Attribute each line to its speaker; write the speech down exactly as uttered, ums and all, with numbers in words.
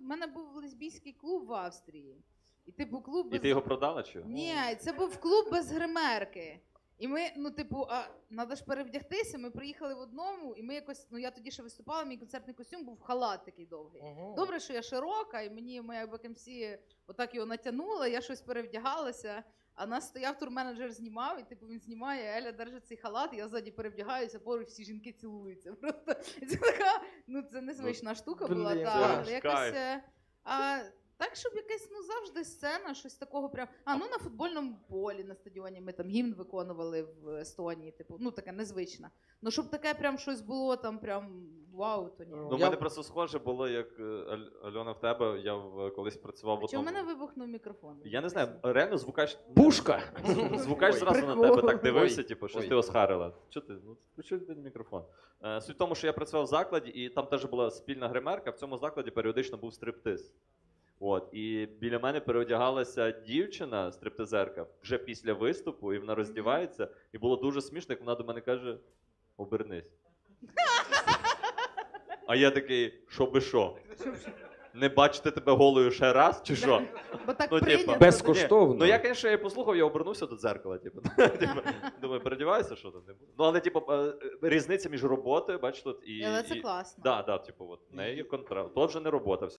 Speaker 1: мене був лесбійський клуб в Австрії. І типу клуб без...
Speaker 2: І ти його продала чи?
Speaker 1: Ні, це був клуб без гримерки. І ми, ну, типу, а треба ж перевдягтися, ми приїхали в одному, і ми якось, ну, я тоді ще виступала, мій концертний костюм був халат такий довгий.
Speaker 3: Ого.
Speaker 1: Добре, що я широка, і мені моя бекемсі отак його натягнула, я щось перевдягалася, а нас стояв турменеджер, знімав, і типу він знімає, Еля держить цей халат, і я ззаді перевдягаюся, поруч всі жінки цілуються. Просто і це така, ну, це незвична штука була,
Speaker 3: блін,
Speaker 1: та,
Speaker 2: це
Speaker 1: якось...
Speaker 2: кайф.
Speaker 1: е, А, так, щоб якась, ну, завжди сцена, щось такого прям... А, ну, на футбольному полі, на стадіоні ми там гімн виконували в Естонії, типу, ну, таке незвичне. Ну, щоб таке прям щось було там прям вау, то ні.
Speaker 3: Ну,
Speaker 2: Ну, в
Speaker 3: Я-
Speaker 2: мене просто схоже було, як е, Аль- Альона в тебе, я в, колись працював в
Speaker 1: Чи у
Speaker 2: одному...
Speaker 1: мене вибухнув мікрофон?
Speaker 2: Я не знаю, реально звукач...
Speaker 3: Пушка!
Speaker 2: Звукач
Speaker 3: Ой.
Speaker 2: зразу на
Speaker 1: Прикол.
Speaker 2: тебе так дивився,
Speaker 3: Ой.
Speaker 2: типу, щось
Speaker 3: Ой.
Speaker 2: ти осхарила. Чого ти? Ну, включи один мікрофон. Е, суть в тому, що я працював в закладі, і там теж була спільна гримерка, в цьому закладі періодично був стриптиз. От, і біля мене переодягалася дівчина, стриптизерка, вже після виступу, і вона роздівається, і було дуже смішно, як вона до мене каже: обернись. А я такий, що би що? Не бачити тебе голою ще раз, чи що?
Speaker 1: Бо так
Speaker 2: Ну, типа,
Speaker 1: прийнято.
Speaker 3: Безкоштовно.
Speaker 2: Ну я, звісно, я послухав, я обернувся до дзеркала, типу. Типу, думаю, передіваюся, що там не буде. Ну, але, типу, е, різниця між роботою, бач, тут і...
Speaker 1: Але це
Speaker 2: і...
Speaker 1: класно.
Speaker 2: Да, да, типу, от, в неї є контракт. То вже не робота, все